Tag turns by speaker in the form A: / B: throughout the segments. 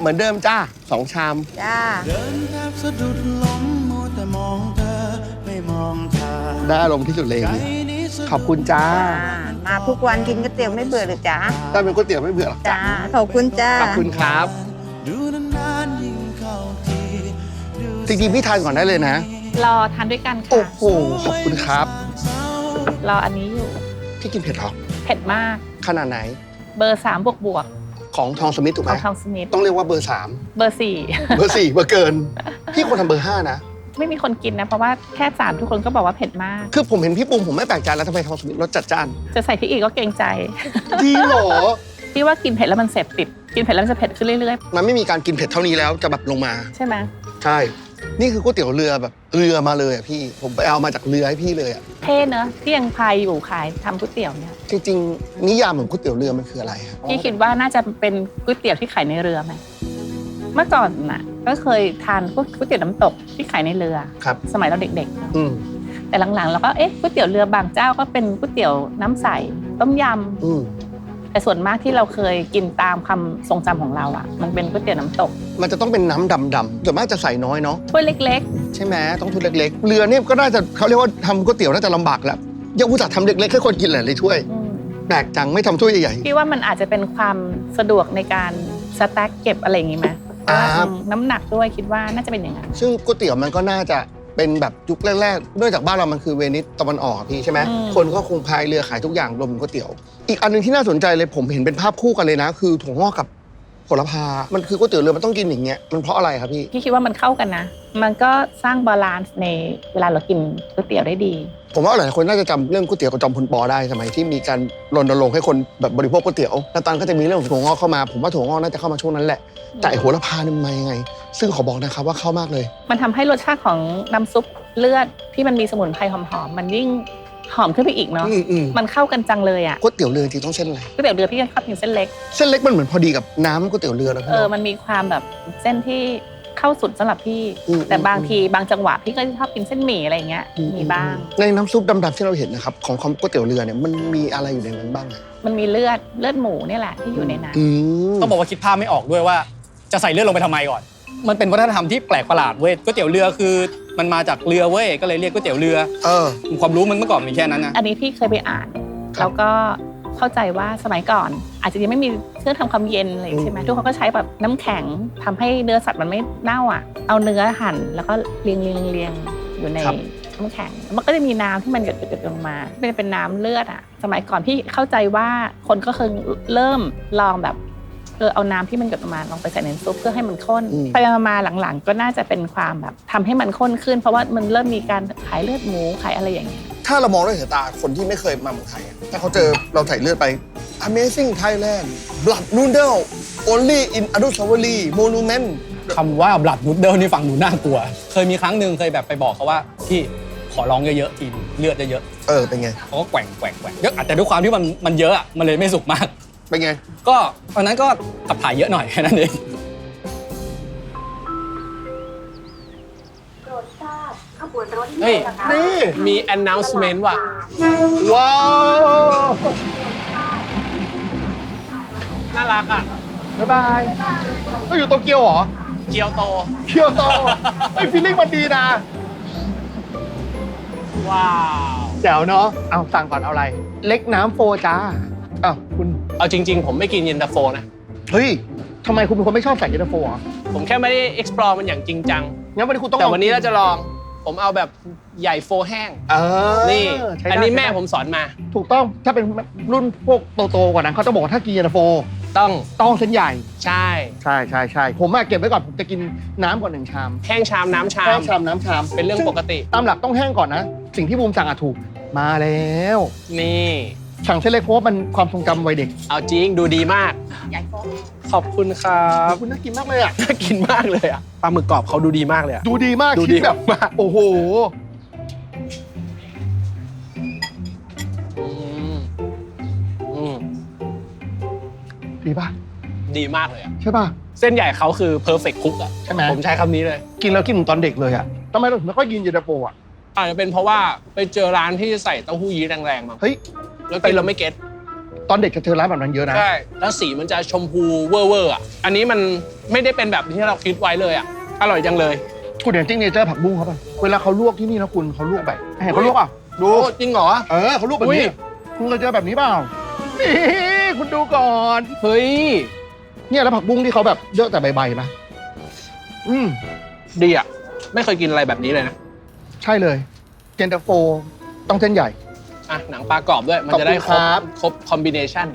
A: มือนเดิมจ้า2 ชาม
B: จ้า
C: เดินแทบสะดุดล้มมัวแต่มองเธอไม่มองทาง
A: ได้อารมณ์ที่สุดเลยขอบคุณจ้า
B: มาทุกวันกินก๋วยเตี๋ยวไม่เบื่อหรือจ้า
A: ถ้าเป็นก๋วยเตี๋ยวไม่เบื่อหรอกจ้า
B: ขอบคุณจ้า
A: ขอบคุณครับจริงๆพี่ทานก่อนได้เลยนะ
D: รอทานด้วยกันค่ะ
A: โอ้โหขอบคุณครับ
D: รออันนี้อยู่
A: พี่กินเผ็ดหรอ
D: เผ็ดมาก
A: ขนาดไหน
D: เบอร์3บวก
A: ของทองสมิธถูกไหม
D: ของทองสมิธ
A: ต้องเรียกว่าเบอร์
D: เบอร์
A: 4เบอร์เกินพี่ควรทำเบอร์5นะ
D: ไม่มีคนกินนะเพราะว่าแค่3ทุกคนก็บอกว่าเผ็ดมาก
A: คือผมเห็นพี่ปรุงผมไม่แปลกใจแล้วทำไมทองสมิธรสจัดจ้าน
D: จะใส่พริกอีกก็เกรงใจ
A: ดีหรอ
D: พี่ว่ากินเผ็ดแล้วมันเสพติดกินเผ็ดแล้วมันจะเผ็ดขึ้นเรื่อย
A: ๆมันไม่มีการกินเผ็ดเท่านี้แล้วจะแบบลงมา
D: ใช่ไหม
A: ใช่นี่คือก๋วยเตี๋ยวเรือแบบเรือมาเลยอ่ะพี่ผมไปเอามาจากเรือให้พี่เลยอ่ะ
D: เท่เนอะที่ยังพายอยู่ขายทำก๋วยเตี๋ยวเนี่ย
A: จริงๆนิยามของก๋วยเตี๋ยวเรือมันคืออะไรครับ
D: พี่คิดว่าน่าจะเป็นก๋วยเตี๋ยวที่ขายในเรือไหมเมื่อก่อนน่ะก็เคยทานก๋วยเตี๋ยวน้ำตกที่ขายในเรือสมัยเราเด็กๆแต่หลังๆเราก็ก๋วยเตี๋ยวเรือบางเจ้าก็เป็นก๋วยเตี๋ยวน้ำใสต้มยำแต่ส่วนมากที่เราเคยกินตามความทรงจำของเราอ่ะมันเป็นก๋วยเตี๋ยวน้ำตก
A: มันจะต้องเป็นน้ำดำๆส่วนมากจะใส่น้อยเนาะ
D: ถ้วยเล็ก
A: ๆใช่ไหมต้องถ้วยเล็กๆเรือเนี่ยก็น่าจะเขาเรียกว่าทำก๋วยเตี๋ยวน่าจะลำบากแล้วยังอุตส่าห์ทำเล็กๆให้คนกินหลายๆถ้วยแปลกจังไม่ทำถ้วยใหญ่
D: ๆพี่ว่ามันอาจจะเป็นความสะดวกในการสแต็กเก็บอะไรอย่างงี้ไหมน้ำหนักด้วยคิดว่าน่าจะเป็นอย่างนั้น
A: ซึ่งก๋วยเตี๋ยวมันก็น่าจะเป็นแบบยุคแรกๆเนื่องจากบ้านเรามันคือเวนิสตะวันออกพี่ใช่ไหมคนก็คงพายเรือขายทุกอย่างรวมถึงก๋วยเตี๋ยวอีกอันนึงที่น่าสนใจเลยผมเห็นเป็นภาพคู่กันเลยนะคือถั่วงอกกับโหระพามันคือก๋วยเตี๋ยวเรือมันต้องกินอย่างเงี้ยมันเพราะอะไรครับพี่
D: คิดว่ามันเข้ากันนะมันก็สร้างบาลานซ์ในเวลาเรากินก๋วยเตี๋ยวได้ดี
A: ผมว่าหลายคนน่าจะจำเรื่องก๋วยเตี๋ยวกับจอมพลป.ได้สมัยที่มีการรณรงค์ให้คนแบบบริโภคก๋วยเตี๋ยวแล้วตอนก็จะมีเรื่องของถั่วงอกเข้ามาผมว่าถั่วงอกน่าจะเข้ามาช่วงนั้นแหละแต่โหระพาเนี่ยมันมายังไงซึ่งขอบอกนะครับว่าเข้ามากเลย
D: มันทำให้รสชาติของน้ำซุปเลือดที่มันมีสมุนไพรหอมๆมันยิ่งหอมขึ้นไปอีกเนาะมันเข้ากันจังเลยอ่ะ
A: ก๋วยเตี๋ยวเรือจริงต้องเส้นอะไร
D: ก๋วยเตี๋ยวเรือพี่ชอบกินเส้นเล็ก
A: มันเหมือนพอดีกับน้ำก๋วยเตี๋ยวเรือแล้ว
D: มันมีความแบบเส้นที่เข้าสุดสำหรับพี่แต่บางทีบางจังหวะพี่ก็ชอบกินเส้นหมี่อะไรเงี้ยมีบ้าง
A: ในน้ำซุปดำๆที่เราเห็นนะครับของก๋วยเตี๋ยวเรือเนี่ยมันมีอะไรอยู่ในนั้นบ้าง
D: มันมีเลือดหมูนี่แหละที่อยู่ในนั้น
E: ต้องบอกว่าคิดภาพไม่ออกด้วยว่าจะใส่เลือดลงไปทำไมก่อนมันเป็นวัฒนธรรมที่แปลกประหลาดเว้ยก๋วยเตี๋ยวเรือคือมันมาจากเรือเว้ยก็เลยเรียกก๋วยเตี๋ยวเรือความรู้มันเมื่อก่อนมีแค่นั้นนะ
D: อันนี้พี่เคยไปอ่านแล้วก็เข้าใจว่าสมัยก่อนอาจจะยังไม่มีเครื่องทำความเย็นอะไรใช่ไหมทุกคนก็ใช้แบบน้ำแข็งทำให้เนื้อสัตว์มันไม่เน่าอ่ะเอาเนื้อหั่นแล้วก็เรียงอยู่ในน้ำแข็งมันก็จะมีน้ำที่มันหยดลงมาเป็นน้ำเลือดอ่ะสมัยก่อนพี่เข้าใจว่าคนก็เคยเริ่มลองแบบเอาน้ำที่มันหยดออกมาลงไปใส่ในซุปเพื่อให้มันข้นไปมาหลังๆก็น่าจะเป็นความแบบทำให้มันข้นขึ้นเพราะว่ามันเริ่มมีการขายเลือดหมูขายอะไรอย่างเงี้ย
A: ถ้าเรามองด้วยสายตาคนที่ไม่เคยมาเมืองไทยถ้าเขาเจอเราใส่เลือดไป Amazing Thailand Blood Noodle Only in Anusawari Monument
E: คำว่า Blood Noodle นี่ฟังดูน่ากลัวเคยมีครั้งหนึ่งเคยแบบไปบอกเขาว่าพี่ขอร้องเยอะๆทีเลือดเยอะ
A: ๆเป็นไง
E: เขาก็แกว่งเยอะแต่ด้วยความที่มันเยอะอ่ะมันเลยไม่สุกมาก
A: เป็นไง
E: ก็ตอนนั้นก็ขับถ่ายเยอะหน่อยแค่นั้นเอง
F: เฮ้ยนี่มี announcement ว่ะ
A: ว้าว
F: น่ารักอ่ะ
A: บ๊ายบายก็อยู่โตเกียวเหรอ
F: เกียวโต
A: ไอ้ฟีลลิ่งมันดีนะ
F: ว้าว
A: แจ๋วเนาะเอาสั่งก่อนเอาอะไรเล็กน้ำโฟจ้าคุณ
F: เอาจริงๆผมไม่กินเย็นตาโฟนะ
A: เฮ้ยทำไมคุณเป็นคนไม่ชอบใส่เย็นตาโฟอ่ะ
F: ผมแค่ไม่ได้ explore มันอย่างจริงจัง
A: งั้นวันนี้คุณต้อง
F: แต่วันนี้เราจะลองผมเอาแบบใหญ่โฟแห้งนี่อันนี้แม่ผมสอนมา
A: ถูกต้องถ้าเป็นรุ่นพวกโตๆกว่านั้นเขาจะบอกว่าถ้ากินเย็นตาโฟต้องเส้นใหญ่
F: ใช่
A: ผมเก็บไว้ก่อนผมจะกินน้ำก่อน1 ชาม
F: แห้งชามน้ำชามเป็นเรื่องปกติ
A: ตามหลักต้องแห้งก่อนนะสิ่งที่บูมสั่งถูกมาแล้ว
F: นี่
A: สั่งเส้นเล็กเพราะว่ามันความทรงจำวัยเด็ก
F: เอาจริงดูดีมากขอบคุณครับ
A: คุณน่ากินมากเลยอ่ะ
F: น่ากินมากเลยอ่ะปลาหมึกกรอบเขาดูดีมากเลยอ่ะ
A: ดูดีมาก
F: ดูดีแบบมาก
A: โอ้โหดีป่ะ
F: ดีมากเลยอ่ะ
A: ใช่ป่ะ
F: เส้นใหญ่เขาคือ perfect cook อ่ะ
A: ใช่ไหม
F: ผมใช้คำนี้เลย
A: กินแล้วกินเหมือนตอนเด็กเลยอ่ะทำไมเราถึงไม่ค่อยกินเย็นตาโฟอ่ะ
F: อาจจะเป็นเพราะว่าไปเจอร้านที่ใส่เต้าหู้ยี้แรงๆมา
A: เฮ้ย
F: แล้วกินเราไม่เก็ต
A: ตอนเด็กจะเจอร้านแบบนั้นเยอะนะ
F: ใช่แล้วสีมันจะชมพูเวอร์อ่ะอันนี้มันไม่ได้เป็นแบบที่เราคิดไว้เลยอ่ะอร่อยจังเลย
A: คุณเห็นซิกเนเจอร์ผักบุ้งเขาป่ะเวลาเขาลวกที่นี่นะคุณเขาลวกแบบเห็นเขาลวกอ่ะดู
F: โอ้จริงเหรอ
A: เขาลวกแบบนี้คุณเคยเจอแบบนี้เปล่านี่คุณดูก่อน
F: เฮ้ย
A: เนี่ยแล้วผักบุ้งที่เขาแบบเยอะแต่ใบๆป่ะ
F: ดีอ่ะไม่เคยกินอะไรแบบนี้เลยนะ
A: ใช่เลยเย็นตาโฟต้องเส้นใหญ่
F: อ่ะหนังปลากรอบด้วยมันจะได้
A: ขอบคุณครับ
F: ครบคอมบิเนชัน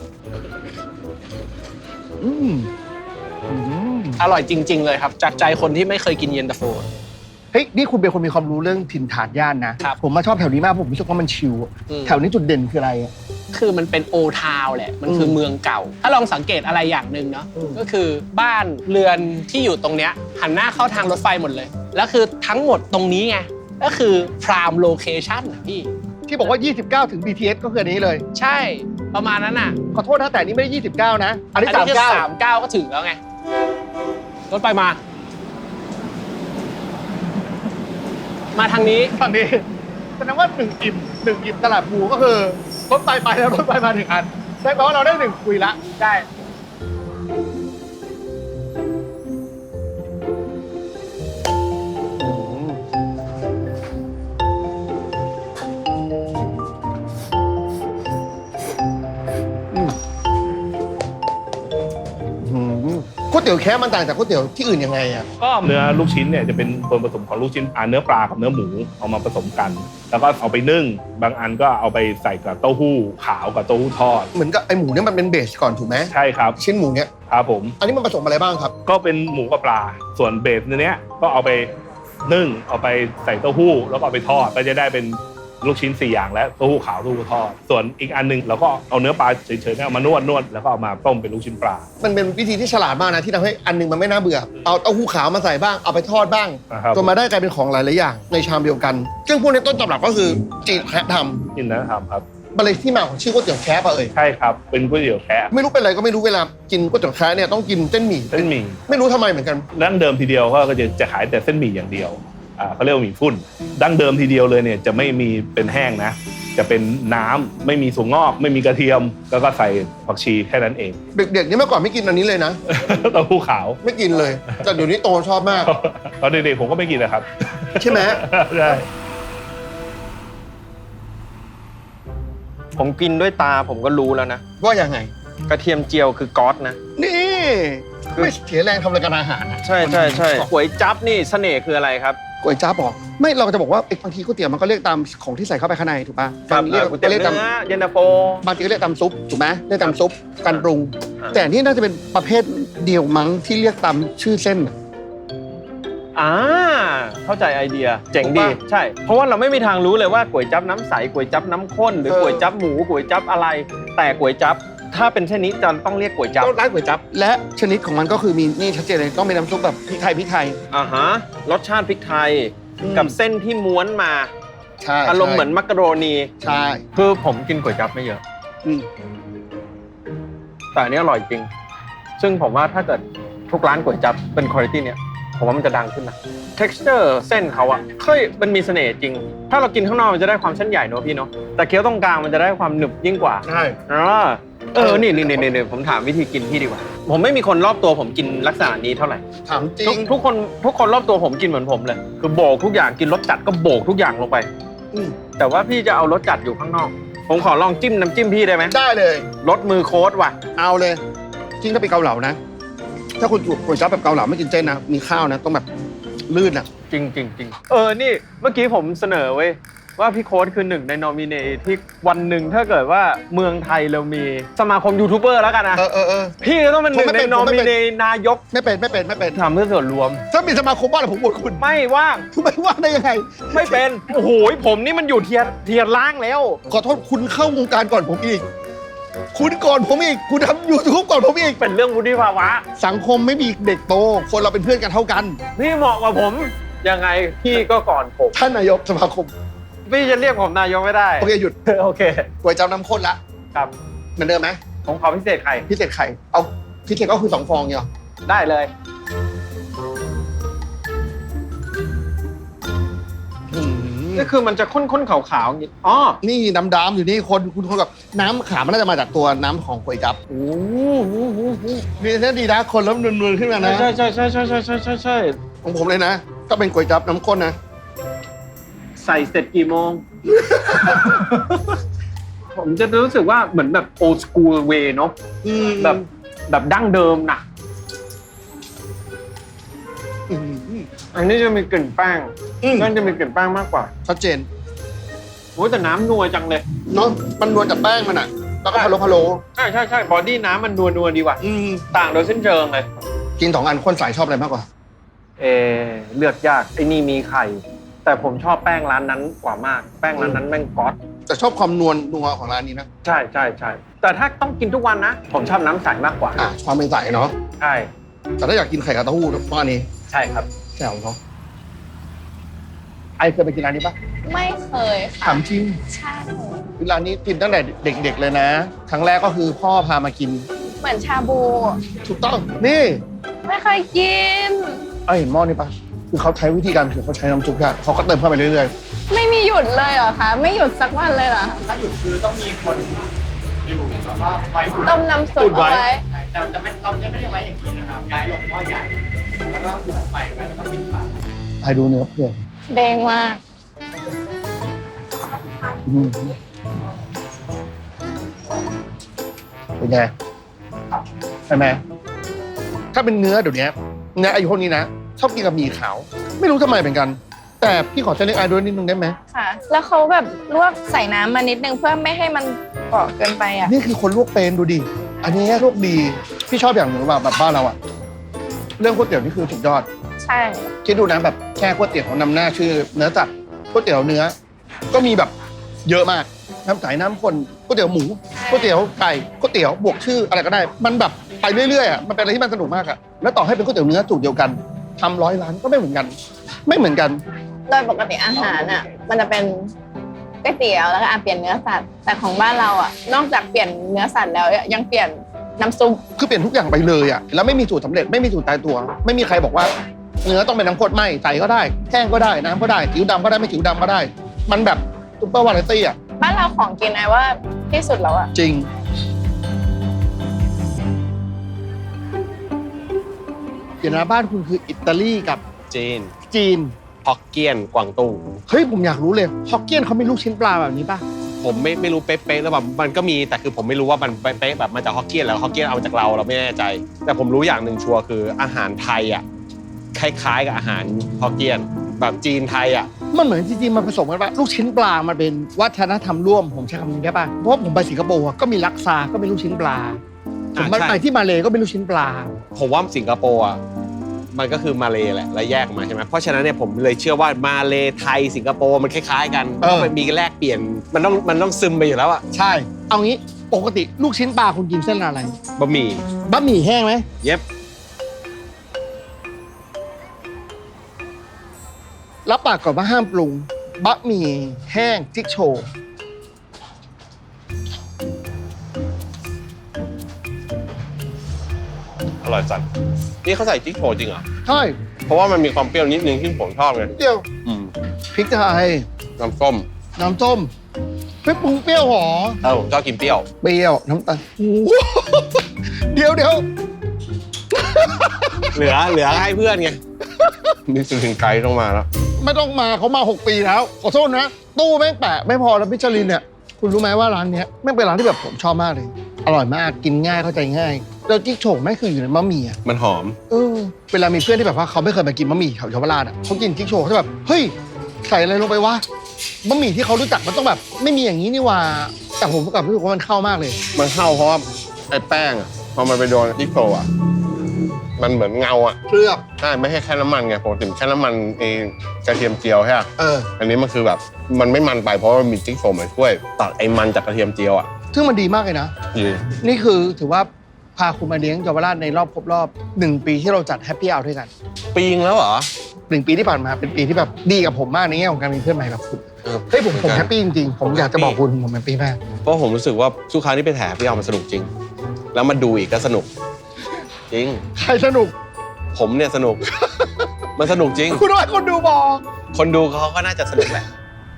A: อืม
F: อร่อยจริง ๆ เลยครับจากใจคนที่ไม่เคยกินเย็นตาโฟ
A: เฮ้ยนี่คุณเป็นคนมีความรู้เรื่องถิ่นฐานย่านนะครับ ผมมาชอบแถวนี้มากผมรู้สึกว่ามันชิลอะ
F: อืม
A: แถวนี้จุดเด่นคืออะไรอะ
F: คือมันเป็นโอทาวแหละมันคือเมืองเก่า ถ้าลองสังเกตอะไรอย่างหนึ่งเนาะ
A: อืม
F: ก็คือบ้านเรือนที่อยู่ตรงเนี้ยหันหน้าเข้าทางรถไฟหมดเลยแล้วคือทั้งหมดตรงนี้ไงก็คือพรามโลเคชั่นพี่
A: ที่บอกว่า 29 ถึง BTS ก็คืออันนี้เลย
F: ใช่ประมาณนั้นอ่ะ
A: ขอโทษนะแต่อันนี้ไม่ได้ 29 นะ อันนี้
F: คือ
A: 39
F: 39ก็ถึงแล้วไงรถไฟมาทางนี้
A: ฝั่งนี้แสดงว่า1 อิ่มตลาดภูก็คือรถไฟไปแล้วรถไฟมา1 อันได้แปลว่าเราได้1คุยละ
F: ได้
A: ก๋วยเตี๋ยวแค่มันต่างจากก๋วยเตี๋ยวที่อื่นยังไงอะ
G: ก็เนื้อลูกชิ้นเนี่ยจะเป็นส่วนผสมของลูกชิ้นเนื้อปลากับเนื้อหมูเอามาผสมกัน แล้วก็เอาไปนึ่งบางอันก็เอาไปใส่กับเต้าหู้ขาวกับเต้าหู้ทอด
A: เหมือนกับไอหมูเนี่ยมันเป็นเบสก่อนถูกไหม
G: ใช่ครับ
A: ชิ้นหมูเนี่ย
G: ครับผม
A: อันนี้มันผสมอะไรบ้างครับ
G: ก็เป็นหมูกับปลาส่วนเบสเนี้ยก็เอาไปนึ่งเอาไปใส่เต้าหู้แล้วก็เอาไปทอดก็จะได้เป็นลูกชิ้น4 อย่างและเต้าหู้ขาวเต้าหู้ทอดส่วนอีกอันนึงเราก็เอาเนื้อปลาเฉยๆเนี่ยเอามานวดแล้วก็เอามาต้มเป็นลูกชิ้นปลา
A: มันเป็นวิธีที่ฉลาดมากนะที่ทำให้อันหนึงมันไม่น่าเบื่อ เอาเต้าหู้ขาวมาใส่บ้าง เอาไปทอดบ้าง
G: นะครับ
A: จนมาได้กลายเป็นของหลายๆอย่างในชามเดียวกัน ซึ่งพวกนี้ต้นตำรับก็คือจีนแคะท
G: กินนะครับครับ
A: ำมันเลยที่มาของชื่อก๋วยเตี๋ยวแคะป่ะเอ่ย
G: ใช่ครับเป็นก๋วยเตี๋ยวแคะ
A: ไม่รู้เป็นอะไรก็ไม่รู้เวลากินก๋วยเตี๋ยวแคะเนี่ยต้องกินเส้นหมี่
G: เส้นหมี่
A: ไม่รู้ทำไมเหมือนกัน
G: ดั้งเดิมทีเดียวก็จะขายแต่เส้นหมี่อย่างเดียวเขาเรียกว่าหมี่ฟุ้นดั้งเดิมทีเดียวเลยเนี่ยจะไม่มีเป็นแห้งนะจะเป็นน้ำไม่มีถั่วงอกไม่มีกระเทียมแล้วก็ใส่ผักชีแค่นั้นเอง
A: เด็กๆนี่เมื่อก่อนไม่กินอันนี้เลยนะ
G: เต้าหู้ขาว
A: ไม่กินเลย แต่เดี๋ยวนี้โตชอบมาก
G: ตอนเด็กๆผมก็ไม่กินนะครับ
A: ใช่ไหม
G: ใช่
H: ผมกินด้วยตาผมก็รู้แล้วนะ
A: ว่ายังไง
H: กระเทียมเจียวคือก๊อตนะ
A: นี่ไม่เสียแรงทำรายการอาหารนะ
H: ใช่ใช่ใช่ก๋วยจั๊บนี่เสน่ห์คืออะไรครับ
A: ก๋วยจั๊บบอกไม่เราจะบอกว่าบางทีก๋วยเตี๋ยวมันก็เรียกตามของที่ใส่เข้าไปข้างในถูกป่ะบางที
H: ก๋วยเตี๋ยว
A: เรียกตาม
H: เนื้อเย็นตาโฟ
A: บางทีก็เรียกตามซุปถูกไหมเรียกตามซุปการปรุง
H: อ่า
A: แต่อันนี่น่าจะเป็นประเภทเดียวมั้งที่เรียกตามชื่อเส้น
H: เข้าใจไอเดียเจ๋ง
A: ถูก
H: ดี
A: ปะ
H: ใช่ เพราะว่าเราไม่มีทางรู้เลยว่าก๋วยจั๊บน้ำใสก๋วยจั๊บน้ำข้นหรือก๋วยจั๊บหมูก๋วยจั๊บอะไร แต่ก๋วยจั๊บถ้าเป็นเช่นนี้จะต้องเรียกก๋วยจั๊บ
A: ก็ร้านก๋วยจั๊บและชนิดของมันก็คือมีนี่ชัดเจนเลยต้องเป็นน้ำซุปแบบพริกไทย
H: รสชาติพริกไทย
A: อืม
H: กับเส้นที่ม้วนมา
A: ใช่
H: อารมณ์เหมือนมักกะโรนี
A: ใช่
H: คือผมกินก๋วยจั๊บไม่เยอะ
A: อืม
H: แต่อันนี้อร่อยจริง ซึ่งผมว่าถ้าเกิดทุกร้านก๋วยจั๊บเป็นคุณภาพเนี่ยผมว่ามันจะดังขึ้นนะ texture เส้นเขาอะมันมีเสน่ห์จริง ถ้าเรากินข้างนอกมันจะได้ความเส้นใหญ่เนอะพี่เนาะแต่เคี้ยวตรงกลางมันจะได้ความหนึบยิ่งกว่า
A: ใช่
H: นี่ผมถามวิธีกินพี่ดีกว่า ผมไม่มีคนรอบตัวผมกินลักษณะนี้เท่าไหร่
A: ถามจริง
H: ทุกคนรอบตัวผมกินเหมือนผมเลยคือโบกทุกอย่างกินรสจัดก็โบกทุกอย่างลงไป
A: อืม
H: แต่ว่าพี่จะเอารสจัดอยู่ข้างนอก ผมขอลองจิ้มน้ำจิ้มพี่ได้ไหม
A: ได้เลย
H: รสมือโค้ดว่ะ
A: เอาเลยจริงถ้าเป็นเกาเหลานะ ถ้าคุณก๋วยจั๊บแบบเกาเหลาไม่กินเส้นนะมีข้าวนะต้องแบบลื่นอ่ะ
H: จริงนี่เมื่อกี้ผมเสนอเว้ยว่าพี่โค้ดคือหนึ่งในนอมิเนตที่วันหนึ่งถ้าเกิดว่าเมืองไทยเรามีสมาคมยูทูบเบอร์แล้วกันนะ
A: เออ
H: พี่ก็ต้องเป็นหนึ่ง
A: ผมไม่
H: ใน
A: เป็น
H: นอ
A: ผมไม่
H: มิ
A: เป็น
H: เนตนายก
A: ไม่เป็น
H: ทำเพื่อส่วนรวม
A: ถ้ามีสมาคมบ้านผมบวชคุณ
H: ไม่ว่าง
A: ไม่ว่าได้ยังไง
H: ไม่เป็นโอ้โหผมนี่มันอยู่เทียร์ล่างแล้ว
A: ขอโทษคุณเข้าวงการก่อนผมอีก คุณก่อนผมอีก คุณทำ YouTube ก่อนผมอีก
H: เป็นเรื่องวุฒิภาวะ
A: สังคมไม่มีเด็กโต คนเราเป็นเพื่อนกันเท่ากัน
H: พี่เหมาะกว่าผมยังไงพี่ก็ก่อนผม
A: ท่านนายกสมาคม
H: พี่จะเรียกผมนายกไม่ได้
A: โอเคหยุด
H: โอเค
A: ก๋วยจั๊บน้ำข้นละ
H: ครับ
A: เหมือนเดิมไหม
H: ผมขอพิเศษไข่
A: พิเศษไข่ เอาพิเศษก็คือ2 ฟองเนี่ยหรอ
H: ได้เลย
A: อืม
H: นี่คือมันจะข้นๆขาวๆอย่างนี้อ๋อ
A: นี่ดำๆอยู่นี่คุณคนกับน้ำขาวมันน่าจะมาจากตัวน้ำของก๋วยจั๊บ
H: โอ้โห
A: นี่ถ้าดีนะคนแล้วนวลๆขึ้นมานะ
H: ใช่ใช่ใช่ใช่ใช่ใช่ใช่ใช่
A: ของผมเลยนะก็เป็นก๋วยจั๊บน้ำข้นนะ
H: ใส่เสร็จกี่โมง ผมจะรู้สึกว่าเหมือนแบบ old school way เนาะแบบดั้งเดิมนะอันนี้จะมีกลิ่นแป้งนั่นจะมีกลิ่นแป้งมากกว่า
A: ชัดเจน
H: โอ้ยแต่น้ำนัวจังเลย
A: เนาะมันนวลจากแป้งมันอ่ะแล้วก็พะโล้
H: ใช่ใช่ใช่บอดี้น้ำมันนัวดีกว่า ต่างโดยสิ้นเชิงเลย
A: กิน2 อันคนสายชอบอะไรมากกว่า
H: เลือกยากไอ้นี่มีไข่ แต่ผมชอบแป้งร้านนั้นกว่ามาก แป้งร้านนั้นแม่งก๊อต
A: แต่ชอบความนัวของร้านนี้นะ
H: ใช่ใช่ใช่แต่ถ้าต้องกินทุกวันนะ ผมชอบน้ำใสมากกว่า
A: ความเป็นใสเนาะ
H: ใช่
A: แต่ถ้าอยากกินไข่กับเต้าหู้ต้องอันนี้
H: ใช่ครับ
A: แจ่วเนาะไอเคยไปกินร้านนี้ปะ
I: ไม่เคย
A: ถา
I: ค่ะ
A: มจริง
I: ใช่
A: ร้านนี้กินตั้งแต่เด็กๆเลยนะครั้งแรกก็คือพ่อพามากิน
I: เหมือนชาบู
A: ถูกต้องนี่
I: ไม่เคยกิน
A: เห็นหม้อนี่ปะคือเขาใช้วิธีการคือเขาใช้น้ำซุปอะเขาก็เติมเข้าไปเรื่อย
I: ไม่มีหยุดเลยเหรอคะไม่หยุดสักวันเลยเหรอ
E: ถ้าหยุดคือต้องมีคนอยู่แล้วก็ไว้
I: ต้มน้ำซุปเอาไว้
E: แต่เราจะไม่ได้ไว้อย่างนี้นะครับย้ายลงหม้อใหญ่แล้วก็หุงไปแล้วก็ปิดฝา
A: ๆไปดูเนื้อเพื่อน
I: แดงมาก
A: เป็นไงใช่ไหมถ้าเป็นเนื้อเดี๋ยวนี้เนื้ออายุพวกนี้นะชอบกินกับหมี่ขาว ไม่รู้ทำไมเหมือนกัน แต่พี่ขอเส้นเล็กไอด้วยนิดนึงได้ไหม
I: ค่ะ แล้วเขาแบบลวกใส่น้ำมานิดนึงเพื่อไม่ให้มันเกาะเกินไปอ่ะ
A: นี่คือคนลวกเป็นดูดิอันนี้ลวกดีพี่ชอบอย่างหนึ่งแบบบ้านเราอะเรื่องก๋วยเตี๋ยวนี่คือสุดยอด
I: ใช่
A: คิดดูนะแบบแค่ก๋วยเตี๋ยวของนำหน้าชื่อเนื้อสัตว์ก๋วยเตี๋ยวเนื้อ ก็มีแบบเยอะมากน้ำใสน้ำข้นก๋วยเตี๋ยวหมูก๋วยเตี๋ยวไก่ก๋วยเตี๋ยวบวกชื่ออะไรก็ได้ มันแบบไปเรื่อยๆอ่ะมันเป็นอะไรที่มันสนุกมากอ่ะแล้วต่อให้เป็นก๋วยเตี๋ยวเนื้อสูตรเดียวกันทำ100 ร้านก็ไม่เหมือนกัน ไม่เหมือนกัน
I: โดยปกติอาหารอ่ะมันจะเป็นก๋วยเตี๋ยวแล้วก็เปลี่ยนเนื้อสัตว์แต่ของบ้านเราอ่ะนอกจากเปลี่ยนเนื้อสัตว์แล้วยังเปลี่ยนน้ำซุป
A: คือเปลี่ยนทุกอย่างไปเลยอ่ะแล้วไม่มีสูตรสำเร็จไม่มีสูตรตายตัว ไม่มีใครบอกว่าเนื้อต้องเป็นน้ำข้นไม่ใสก็ได้แห้งก็ได้น้ำก็ได้ผิวดำก็ได้ไม่ผิวดำก็ได้ มันแบบซุปเปอร์วาไรตี้อ่ะ
I: บ้านเราของกินไอ้ว่าที่สุดแล้วอ่ะ
A: จริงเดี๋ยวนะบ้านคุณคืออิตาลีกับ
F: จีน
A: จีน
F: ฮอกเกี้ยนกวางตุ้ง
A: เฮ้ยผมอยากรู้เลยฮอกเกี้ยนเขามีลูกชิ้นปลาแบบนี้ป่ะ
F: ผมไม่รู้เป๊ะๆแล้วแบบมันก็มีแต่คือผมไม่รู้ว่ามันเป๊ะๆแบบมาจากฮอกเกี้ยนแล้วฮอกเกี้ยนเอามาจากเราไม่แน่ใจ แต่ผมรู้อย่างหนึ่งชัวร์คืออาหารไทยอ่ะคล้ายๆกับอาหารฮอกเกี้ยนแบบจีนไทยอ่ะ
A: มันเหมือนจริงๆมันผสมกันป่ะลูกชิ้นปลามันเป็นวัฒนธรรมร่วมผมใช้คำนี้ได้ป่ะเพราะว่าผมไปสิงคโปร์อะก็มีลักซาก็เป็นลูกชิ้นปลาผมไปที่มาเลก็เป็นลูกชิ้นปลา
F: ผมว่าสิงคโปร์อ่ะมันก็คือมาเลแหละแล้วแยกออกมาใช่ไหมเพราะฉะนั้นเนี่ยผมเลยเชื่อว่ามาเลไทยสิงคโปร์มันคล้ายๆกันมันมีแลกเปลี่ยนมันต้องซึมไปอยู่แล้วอ่ะ
A: ใช่เอางี้ปกติลูกชิ้นปลาคุณกินเส้นอะไร
F: บะหมี่
A: บะหมี่แห้งไหม
F: เย็บ
A: รับปากก่อนว่าห้ามปรุงบะหมี่แห้งจิ๊กโชว์
F: อร่อยจัดนี่เขาใส่จิ๊กโฉจริงเหรอ
A: ใช่
F: เพราะว่ามันมีความเปรี้ยวนิดนึงที่ผมชอบไง
A: เปรี้ยว
F: อืม
A: พริกไทย
F: น้ำส้ม
A: น้ำส้มไม่ปรุงเปรี้ยวหรอ
F: ผมชอบกินเปรี้ยว
A: เปรี้ยวน้ำตาลโอ้โหเดี๋ยว
F: เหลือให้เพื่อนไงนี่ถึงไกด์ต้องมาแล้ว
A: ไม่ต้องมาเขามา 6 ปีแล้วขอโทษนะ ตู้แม่งแปะไม่พอแล้วมิชลินเนี่ยคุณรู้ไหมว่าร้านเนี้ยแม่งเป็นร้านที่แบบผมชอบมากเลย อร่อยมากกินง่ายเข้าใจง่ายแล้วจิ๊กโฉ่แม่งคืออยู่ในบะหมี่อ่ะ
F: มันหอม
A: เวลามีเพื่อนที่แบบว่าเขาไม่เคยมากินบะหมี่แถวเยาวราชอ่ะเขากินจิ๊กโฉ่เขาจะแบบเฮ้ยใส่อะไรลงไปวะบะหมี่ที่เขารู้จักมันต้องแบบไม่มีอย่างนี้นี่หว่าแต่ผมกลับรู้สึกว่ามันเข้ามากเลย
F: มันเข้าเพราะว่าไอ้แป้งอะพอมันไปโดนจิ๊กโฉอะมันเหมือนเงาอะ
A: เคลือบ
F: ใช่ไม่ใช่แค่น้ำมันไงปกติแค่น้ำมันกระเทียมเจียวใช่ไหม อันนี้มันคือแบบมันไม่มันไปเพราะว่ามันมีจิ๊กโฉมาช่วยตัดไอ้มันจากกระเทียมเจียวอะ
A: ซึ่งมันดีมากเลยนะ
F: ดี
A: นี่คือถือว่าพาคุณมาเลี้ยงเยาวราชในรอบครบรอบ1 ปีที่เราจัดแฮปปี้เอาท์ด้วยกัน
F: ปีงแล้วเหรอ
A: 1 ปีที่ผ่านมาเป็นปีที่แบบดีกับผมมากในแง่ของการมีเพื่อนใหม่แบบคุณเฮ้ยผมแฮปปี้จริงๆผมอยากจะบอกคุณผมแฮปปี้มาก
F: เพราะผมรู้สึกว่าทุกครั้งที่ไปแถพี่เอามันสนุกจริง แล้วมาดูอีกก็สนุก จริง
A: ใครสนุก
F: ผมเนี่ยสนุก มันสนุกจริง
A: คุณว่าคนดูบอก
F: คนดูเขาก็น่าจะสนุกแหละ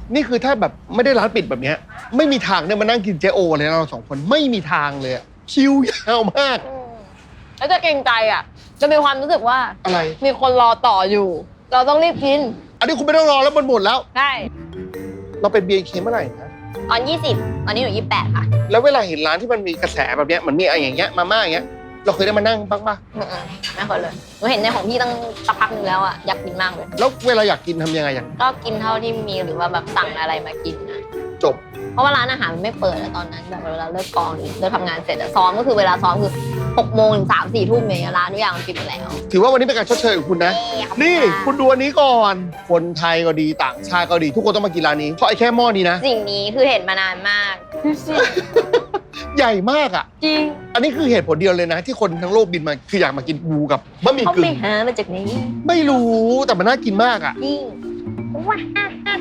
A: นี่คือถ้าแบบไม่ได้ร้านปิดแบบเนี้ยไม่มีทางเนี่ยมานั่งกินเจโอเลยนะเรา2 คนไม่มีทางเลยอะคิวยาวมาก
I: แล้วจะเกรงใจอ่ะ จะมีความรู้สึกว่า
A: อะไร
I: มีคนรอต่ออยู่ เราต้องรีบกิน
A: อันนี้คุณไม่ต้องรอแล้วมันหมดแล้ว
I: ใช่
A: เราเป็น BNK เมื่อไหร่นะ
I: ตอน20ตอนนี้หนู28ค่ะ
A: แล้วเวลาเห็นร้านที่มันมีกระแสแบบเนี้ยมันมีอะไรอย่างเงี้ยมาม่าอย่างเงี้ยเราเคยได้มานั่งบ้างปะ
I: ไม่เคยเลยหนูเห็นในของพี่ตั้งสักพักหนึ่งแล้วอ่ะอยากกินมากเลย
A: แล้วเวลาอยากกินทำยังไงอย่าง
I: ก็กินเท่าที่มีหรือว่าแบบสั่งอะไรมากินนะ
A: จบ
I: เพราะว่าร้านอาหารมันไม่เปิดอะตอนนั้นแบบเวลาเลิกกองหรือเลิกทำงานเสร็จอะซ้อมก็คือเวลาซ้อมคือ6 โมงถึง3 4 ทุ่มเนี่ยร้านทุกอย่างมันปิดหมดแล้ว
A: ถือว่าวันนี้เป็นการชดเชยของคุณนะ นี่คุณดูอันนี้ก่อน คนไทยก็ดีต่างชาติก็ดี ทุกคนต้องมากินร้านนี้เพราะไอ้แค่หม้อนี้นะ
I: สิ่งนี้คือเห็นมานานมากดูสิ
A: ใหญ่มากอ่ะ
I: จริง
A: อันนี้คือเหตุผลเดียวเลยนะ ที่คนทั้งโลกบินมาคืออยากมากินปูกับบะหมี่
I: เขา
A: กึ่
I: ไป
A: ง
I: หามาจากไหน
A: ไม่รู้แต่มันน่ากินมากอ่ะ
I: จริงว้า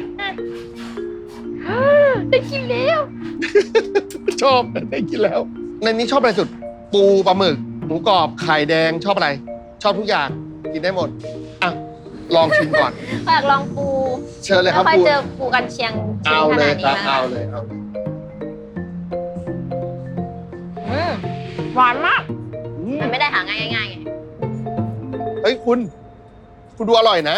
I: ได้กินแล้ว
A: ชอบได้กินแล้ว ในนี้ชอบอะไรสุด ปูปลาหมึกหมูกรอบไข่แดงชอบอะไร ชอบทุกอย่างกินได้หมดอ่ะลองชิมก่อน
I: อยากลองปู
A: เชิญเลยค
I: แล้
A: รั
I: ว
A: บ
I: ค่อย
A: ปู
I: เจอปูกันเชียง
A: เอา
I: ข
A: เล
I: นาย ด
A: ครับ
I: นี้
A: เอาเลยเอา
I: หวานมาก
A: อืม
I: มันไม่ได้หาง่ายๆไง
A: เฮ้ยคุณดูอร่อยนะ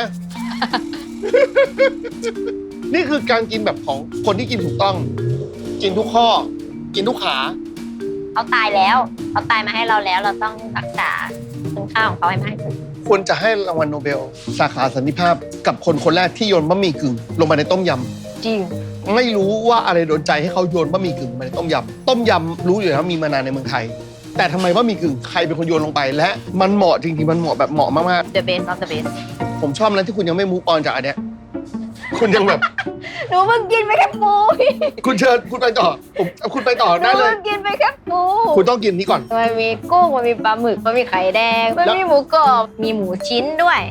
A: นี่คือการกินแบบของคนที่กินถูกต้อง กินทุกข้อ กินทุกขา
I: เขาตายแล้วเขาตายมาให้เราแล้วเราต้องรักษาคุณค่าของเขาให้มากที่สุด
A: ควรจะให้รางวัลโนเบล สาขาสันติภาพกับคนแรกที่โยนบะหมี่กึ่งลงไปในต้มย
I: จริง
A: ำไม่รู้ว่าอะไรโดนใจให้เขาโยนบะหมี่กึ่งลงไปในต้มยำต้มยำรู้อยู่แล้วมีมานานในเมืองไทย แต่ทำไมบะหมี่กึ่งใครเป็นคนโยนลงไป และมันเหมาะจริงๆมันเหมาะแบบเหมาะมาก
I: the best of the best
A: ๆผมชอบนะที่คุณยังไม่มูฟออนจากอันเนี้ยคุณยังแบบ
I: หนูเพิ่งกินไปแค่ปู
A: คุณเชิญคุณไปต่อคุณไปต่อ
I: หนู
A: ได้เลย
I: เพิ่งกินไปแค่ปู
A: คุณต้องกินนี้ก่อน
I: มันมีกุ้งมันมีปลาหมึกมันมีไข่แดงมันมีหมูกรอบมีหมูชิ้นด้วย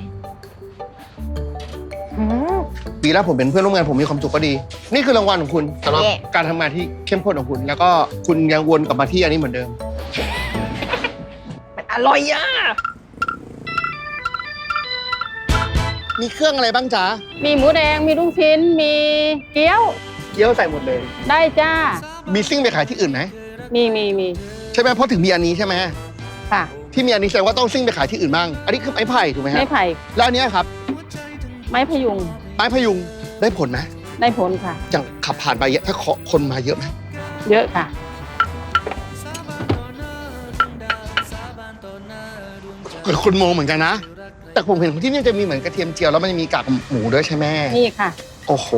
I: อืม
A: ปีแล้วผมเป็นเพื่อนร่วมงานผมมีความสุขก็ดี นี่คือรางวัลของคุณสำหรับ
I: เย่
A: การทำงานที่เข้มข้นของคุณ แล้วก็คุณยังวนกลับมาที่อันนี้เหมือนเดิม
I: มันอร่อยอ่ะ
A: มีเครื่องอะไรบ้างจ๊ะ
D: มีหมูแดง มีลูกชิ้น มีเกี๊ยว
A: เกี๊ยวใส่หมดเลย
D: ได้จ้า
A: มีซิ่งไปขายที่อื่นไหม
D: มี
A: ใช่ไหมเพราะถึงมีอันนี้ใช่ไหม
D: ค่ะ
A: ที่มีอันนี้แสดงว่าต้องซิ่งไปขายที่อื่นบ้าง อันนี้คือไม้ไผ่ถูกไหมฮะ
D: ไม้ไผ่
A: แล้วอันเนี้ยครับ
D: ไม้พยุง
A: ไม้พยุงได้ผลไหม
D: ได้ผลค่ะ
A: อย่างขับผ่านไปเยอะถ้าคนมาเยอะไหม
D: เยอะค่ะ
A: คนมองเหมือนกันนะ แต่ผมเห็นที่นี่จะมีเหมือนกระเทียมเจียวแล้วมันจะมีกากหมูด้วยใช่ไหม
D: นี่ค่ะ
A: โอ้โห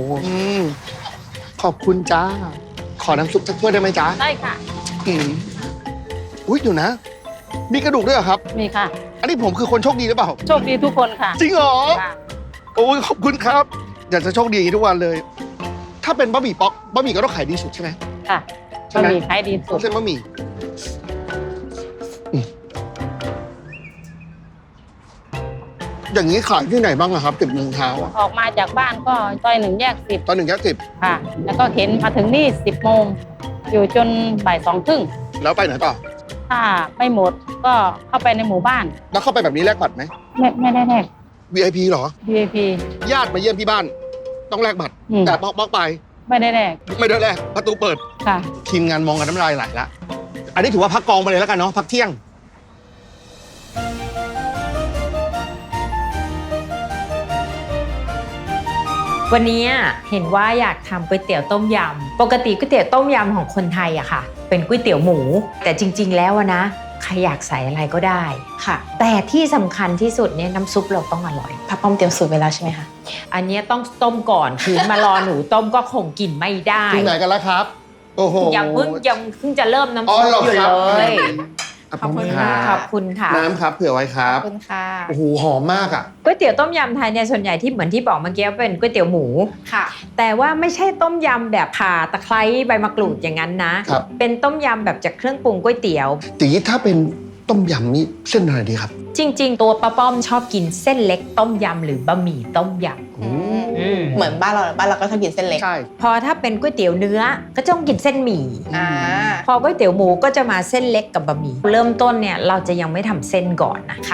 A: ขอบคุณจ้า ขอน้ำซุปสักถ้วยได้ไหมจ๊ะ
D: ได้ค่ะ
A: อืมอุ้ยเดี๋ยวนะ มีกระดูกด้วยเหรอครับ
D: มีค่ะ
A: อันนี้ผมคือคนโชคดีหรือเปล่า
D: โชคดีทุกคนค่ะ
A: จริงเหรอ
D: ค่ะ
A: โอ้ยขอบคุณครับ อยากจะโชคดีอย่างนี้ทุกวันเลย ถ้าเป็นบะหมี่ป๊อกบะหมี่ก็ต้องขายดีสุดใช่ไหม
D: ค่ะ
A: ใช่
D: บะ
A: ไหม
D: หมี่ขายดีสุด
A: เส้นบะหมี่อย่างนี้ขายที่ไหนบ้างอะครับติดเมืองเท้าอะ
D: ออกมาจากบ้านก็ซอย1 แยก
A: ตอนหนึ่งแยก10
D: ค่ะ แล้วก็เข็นมาถึงนี่10 โมง อยู่จนบ่าย2 ครึ่ง
A: แล้วไปไหนต่อ
D: ถ้าไม่หมดก็เข้าไปในหมู่บ้าน
A: แล้วเข้าไปแบบนี้แลกบัตรไหม
D: ไม่ได้แลก
A: VIP เหรอ
D: VIP
A: ญาติมาเยี่ยมที่บ้าน ต้องแลกบัตร
D: อืม
A: แต่ป๊อกไป
D: ไม่ได้แลก
A: ไม่ได้แลกประตูเปิด
D: ค่ะ
A: ทีมงานมองกันน้ำลายไหลละ อันนี้ถือว่าพักกองไปเลยแล้วกันเนาะพักเที่ยง
J: วันนี้เห็นว่าอยากทำก๋วยเตี๋ยวต้มยำ ปกติก๋วยเตี๋ยวต้มยำของคนไทยอะค่ะ เป็นก๋วยเตี๋ยวหมู แต่จริง ๆ แล้วอะนะใครอยากใส่อะไรก็ได้ค่ะ แต่ที่สำคัญที่สุดเนี่ยน้ำซุปเราต้องอร่อย
I: ป้าป้อมเตรียมสูตรไว้แล้วใช่ไหมคะ
J: อันเนี้ยต้องต้มก่อนคือมารอหนูต้มก็คงกินไม่ได้
A: ถึงไหนกันแล้วครับ โอ้โห
J: ยังเพิ่งจะเริ่มน้ำ
A: อ๋อ
J: ซุป
A: เหรอ
J: อยู่
A: ครับ
J: เลย
A: ขอบคุณครับ
J: ขอบคุณค่ะ
A: น้ำครับเผื่อไว้ครับ
I: ขอบคุณค่ะ
A: โอ้โหหอมมากอ่ะ
J: ก๋วยเตี๋ยวต้มยำไทยเนี่ยส่วนใหญ่ที่เหมือนที่บอกเมื่อกี้เป็นก๋วยเตี๋ยวหมู
I: ค่ะ
J: แต่ว่าไม่ใช่ต้มยำแบบข่าตะไคร้ใบมะกรูดอย่างนั้นนะ
A: ครับ
J: เป็นต้มยำแบบจากเครื่องปรุงก๋วยเตี๋ยว
A: ตีถ้าเป็นต้มยำนี่เส้นอะไรดีครับ
J: จริง ๆ ตัวป้าป้อมชอบกินเส้นเล็กต้มยำหรือบะหมี่ต้มยำ
I: เหมือนบ้านเราก็ชอบกินเส้นเล็ก
A: ใช่
J: พอถ้าเป็นก๋วยเตี๋ยวเนื้อก็ต้องกินเส้นหมี่
I: อ่า
J: พอก๋วยเตี๋ยวหมูก็จะมาเส้นเล็กกับบะหมี่เริ่มต้นเนี่ยเราจะยังไม่ทำเส้นก่อนนะคะ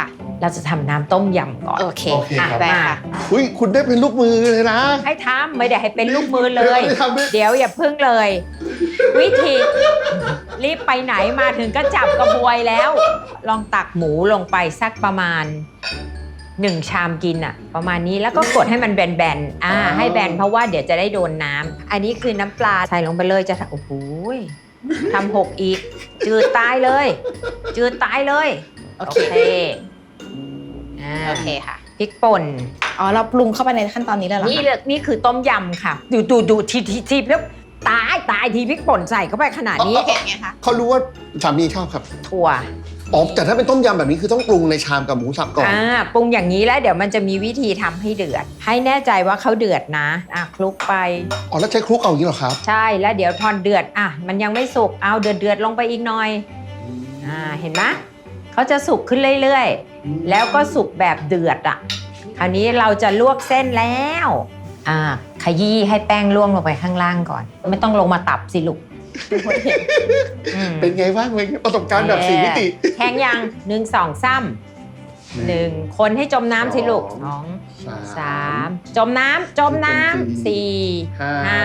J: เราจะทำน้ำต้มยำก่อน
I: โอเค
A: โอเคครับ
I: ได้ค่ะ
A: อุ้ยคุณได้เป็นลูกมือเลยนะ
J: ให้ทำไม่ได้ให้เป็นลูกมือเลย
A: ไม่ได้ทำด้วย
J: เดี๋ยวอย่าพึ่งเลย วิธีรีบไปไหนมาถึงก็จับกระบวยแล้ว ลองตักหมูลงไปสักประมาณ1 ชามกินอะประมาณนี้แล้วก็กดให้มันแบนๆให้แบนเพราะว่าเดี๋ยวจะได้โดนน้ำอันนี้คือน้ำปลาใส่ลงไปเลยจะโอ้โหทำ6อีก จืดตายเลย จืดตายเลย
I: โอ
J: โอ
I: เค
J: เค
I: โอเคค่ะ
J: พริกป่น
I: อ๋อเราปรุงเข้าไปในขั้นตอนนี้แล้วเหรอ
J: นี่เลยนี่คือต้มยำค่ะดูทีแล้วตายทีพริกป่นใส่เข้าไปขนาดนี้
I: เผ็ดไงคะ
A: เขารู้ว่าสามีชอบครับ
J: ถั่ว
A: อ๋อแต่ถ้าเป็นต้มยำแบบนี้คือต้องปรุงในชามกับหมูสับก่อน
J: ปรุงอย่างนี้แล้วเดี๋ยวมันจะมีวิธีทำให้เดือด ให้แน่ใจว่าเขาเดือดนะคลุกไป
A: อ๋อแล้วใช้คลุกเอาอย่างนี้เหรอครับ
J: ใช่แล้วเดี๋ยวพอเดือดมันยังไม่สุกเอาเดือดลงไปอีกหน่อยเห็นไหมเขาจะสุกขึ้นเรื่อยๆแล้วก็สุกแบบเดือดคราวนี้เราจะลวกเส้นแล้วขยี้ให้แป้งล่วงลงไปข้างล่างก่อน ไม่ต้องลงมาตับสิลูก
A: เป็นไงบ้างเป็นไงประสบการณ์แบบ4 มิติ
J: แข็งยัง1 2 3 1คนให้จมน้ำสิลูก2 3จมน้ำ4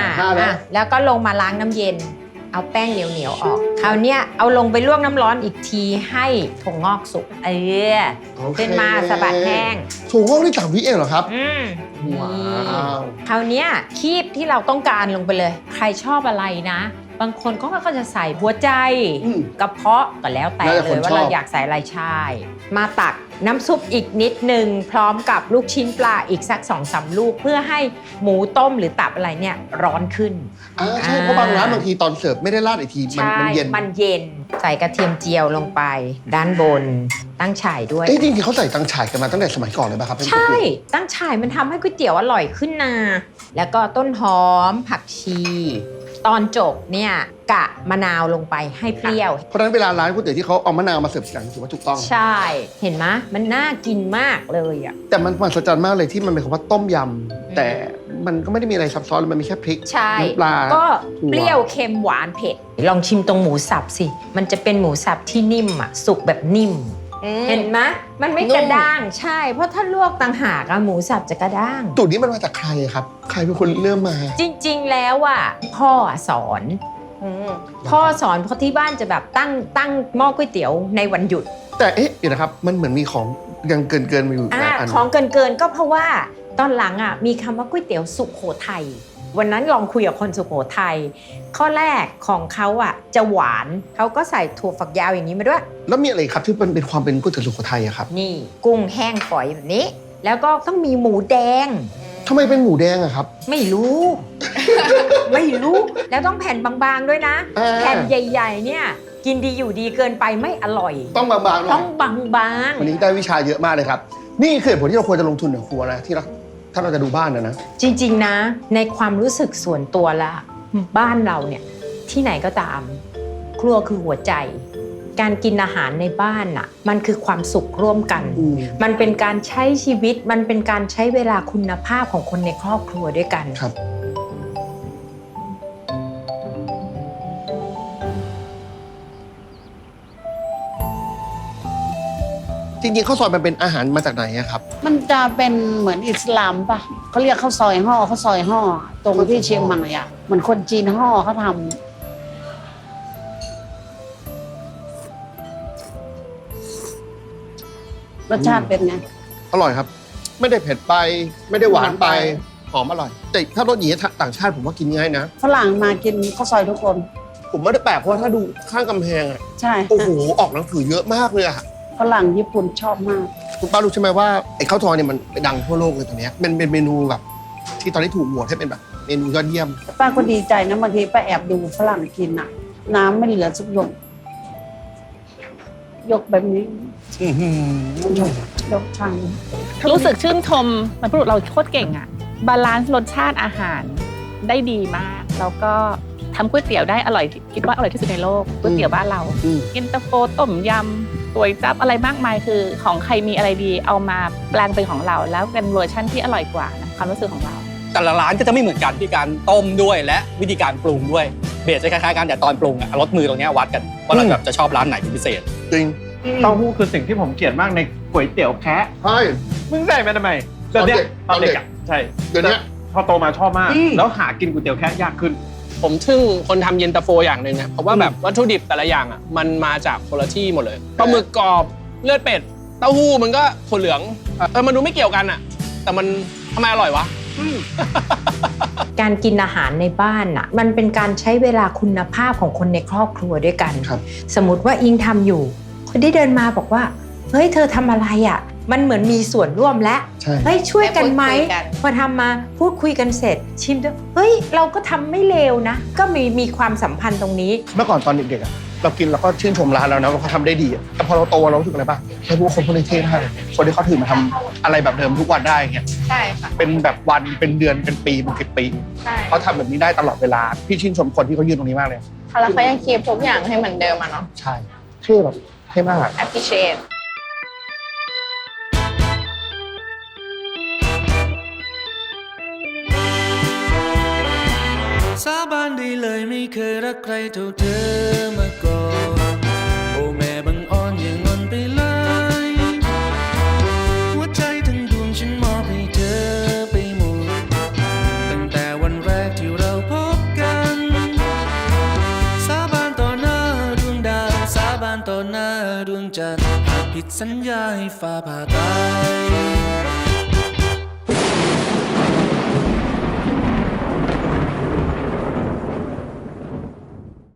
J: 5แล้วก็ลงมาล้างน้ำเย็น เอาแป้งเหนียวๆออกคราวเนี้ยเอาลงไปลวกน้ำร้อนอีกทีให้ถั่วงอกสุกขึ้นมาสะบัดแห้ง
A: ถั่วงอกนี่3 วิเองเหรอครับ
J: นี่
A: ว้าว
J: คราวเนี้ยคีบที่เราต้องการลงไปเลย ใครชอบอะไรนะ บางคนก็จะใส่หัวใจกระเพาะก็แล้วแต่เลยว่าเราอยากใส่อะไรใช่มาตักน้ำซุปอีกนิดนึงพร้อมกับลูกชิ้นปลาอีกสัก 2-3 ลูกเพื่อให้หมูต้มหรือตับอะไรเนี่ยร้อนขึ้น
A: ใช่เพราะบางร้านบางทีตอนเสิร์ฟไม่ได้ราดอีกทีมันเย็น
J: มันเย็นใส่กระเทียมเจียวลงไปด้านบนตั้งฉ่ายด้วย
A: จริงๆเขาใส่ตังฉ่ายกันมาตั้งแต่สมัยก่อนเลยป่ะครับ
J: ใช่ตั้งฉ่ายมันทำให้ก๋วยเตี๋ยวอร่อยขึ้นนะแล้วก็ต้นหอมผักชีตอนจบเนี่ยกะมะนาวลงไปให้เปรี้ยว
A: เพราะฉะนั้นเวลาร้านก๋วยเตี๋ยวที่เขาเอามะนาวมาเสิร์ฟกันถือว่าถูกต้อง
J: ใช่เห็นไหมมันน่ากินมากเลย
A: แต่มันมหัศจรรย์มากเลยที่มันเป็นคำว่าต้มยำแต่มันก็ไม่ได้มีอะไรซับซ้อนเลยมันมีแค่พริก
J: ใช่
A: น้ำปลา
J: ก็เปรี้ยวเค็มหวานเผ็ดลองชิมตรงหมูสับสิมันจะเป็นหมูสับที่นิ่มสุกแบบนิ่มเห็นไหมมันไม่กระด้างใช่เพราะถ้าลวกต่างหากหมูสับจะกระด้าง
A: สูตรนี้มันมาจากใครครับใครเป็นคนเริ่มมา
J: จริงๆแล้วพ่อสอนเพราะที่บ้านจะแบบตั้งหม้อก๋วยเตี๋ยวในวันหยุด
A: แต่เดี๋ยวนะครับมันเหมือนมีของยังเกินมาอยู่อีกอัน
J: ของเกินก็เพราะว่าตอนหลังมีคำว่าก๋วยเตี๋ยวสุโขทัยวันนั้นลองคุยกับคนสุโขทัยข้อแรกของเขาจะหวานเขาก็ใส่ถั่วฝักยาวอย่างนี้มาด้วย
A: แล้วมีอะไรครับที่มันเป็นความเป็นก๋วยเตี๋ยวสุโขทัยอะครับ
J: นี่กุ้งแห้งฝอยแบบนี้ แล้วก็ต้องมีหมูแดง
A: ทำไมเป็นหมูแดงอะครับ
J: ไม่รู้ ไม่รู้แล้วต้องแผ่นบางๆด้วยนะ แผ่นใหญ่ๆเนี่ยกินดีอยู่ดีเกินไปไม่อร่อย
A: ต้องบางๆหน่อย
J: ต้องบางๆ
A: วันนี้ได้วิชาเยอะมากเลยครับ นี่คือเหตุผลที่เราควรจะลงทุนในครัวนะที่เราถ้าเราจะดูบ้านนะ
J: จริงๆนะในความรู้สึกส่วนตัวละบ้านเราเนี่ยที่ไหนก็ตาม ครัวคือหัวใจ การกินอาหารในบ้านมันคือความสุขร่วมกัน มันเป็นการใช้ชีวิตมันเป็นการใช้เวลาคุณภาพของคนในครอบครัวด้วยกัน
A: ครับจริงๆข้าวซอยมันเป็นอาหารมาจากไหนอะครับ
K: มันจะเป็นเหมือนอิสลามป่ะเขาเรียกข้าวซอยห่อข้าวซอยห่อตรงที่เชียงใหม่เหมือนคนจีนห่อเขาทำรสชาติเป็นไง
A: อร่อยครับ ไม่ได้เผ็ดไปไม่ได้หวานไปหอมอร่อยแต่ถ้ารสอย่างนี้ต่างชาติผมว่ากินง่ายนะ
K: ฝรั่งมากินข้าวซอยทุกคน
A: ผมไม่ได้แปลกเพราะว่าถ้าดูข้างกำแพงอะ
K: ใช่
A: โอ้โหออกหนังสือเยอะมากเลยอะ
K: ฝรั่งญี่ปุ่นชอบมาก
A: คุณป้ารู้ใช่ไหมว่าไอ้ข้าวซอยเนี่ยมันดังทั่วโลกเลยตอนนี้เป็นเมนูแบบที่ตอนนี้ถูกโหวตให้เป็นแบบเมนูยอดเยี่ยม
K: ป้าก็ดีใจนะบางทีป้าแอบดูฝรั่งกินน้ำไม่เหลือสักหยดยกแบบนี้ยกชาม
D: รู้สึกชื่นชมมันพูดเราโคตรเก่งบาลานซ์รสชาติอาหารได้ดีมากแล้วก็ทำก๋วยเตี๋ยวได้อร่อยคิดว่าอร่อยที่สุดในโลกก๋วยเตี๋ยวบ้านเราเย็นตาโฟต้มยำก๋วยจั๊บอะไรมากมายคือของใครมีอะไรดีเอามาแปลงเป็นของเราแล้วเป็นเวอร์ชั่นที่อร่อยกว่านะความรู้สึกของเรา
E: แต่ละร้านก็จะไม่เหมือนกันที่การต้มด้วยและวิธีการปรุงด้วยเบสจะคล้ายๆกันแต่ตอนปรุงรสมือตรงนี้วัดกันว่าเราแบบจะชอบร้านไหนเป็นพิเศษ
A: จริง
H: เต้าหู้คือสิ่งที่ผมเกลียดมากในก๋วยเตี๋ยวแคะ
A: ใช่
H: มึงใส่มาทำไมแบบเนี้ยตอนเด็กอ่ะใช่
A: เดี๋ยวนี้
H: พอโตมาชอบมาก แล้วหากินก๋วยเตี๋ยวแคะยากขึ้น
E: ผมทึ่งคนทำเย็นตาโฟอย่างหนึ่งนะเพราะว่าแบบวัตถุดิบแต่ละอย่างอ่ะมันมาจากคนละที่หมดเลยปลาหมึกกรอบเลือดเป็ดเต้าหู้มันก็ถั่วเหลืองมันดูไม่เกี่ยวกันอ่ะแต่มันทำไมอร่อยวะ
J: การกินอาหารในบ้านน่ะมันเป็นการใช้เวลาคุณภาพของคนในครอบครัวด้วยกัน
A: ครับ
J: สมมติว่าอิงทำอยู่คนที่เดินมาบอกว่าเฮ้ยเธอทำอะไรอ่ะมันเหมือนมีส่วนร่วมและ
A: ใช่
J: เฮ้ยช่วยกันไหม
I: ได้พูดคุยกัน
J: พอทำมาพูดคุยกันเสร็จชิมด้วยเฮ้ยเราก็ทำไม่เลวนะ ก็มีความสัมพันธ์ตรงนี้
A: เมื่อก่อนตอนเด็กๆอะเรากินเราก็ชื่นชมร้านแล้วนะว่าเขาทำได้ดีอะแต่พอเราโตเรารู้สึกอะไรบ้างไอ้พวกคนพวกนี้เท่มากเลยคนที่เขาถือมาทำอะไรแบบเดิมทุกวันได้เงี้ย
I: ใช่ค่ะ
A: เป็นแบบวันเป็นเดือนเป็นปีเป็น10 ปี
I: ใช่
A: เขาทำแบบนี้ได้ตลอดเวลาพี่ชื่นชมคนที่เขายืนตรงนี้มากเลย
I: แล้วเขายังคีบทุกอย่างให้เหมือนเดิมอะเนาะ
A: ใช่เท่แบบเท่มาก
I: appreciate
C: สาบานได้เลยไม่เคยรักใครเท่าเธอมาก่อนโอ้แม่บังอ่อนอย่างงอนไปเลยหัวใจทั้งดวงฉันมอบให้เธอไปหมดตั้งแต่วันแรกที่เราพบกันสาบานต่อหน้าดวงดาวสาบานต่อหน้าดวงจันทร์หากผิดสัญญาให้ฟ้าผ่าตาย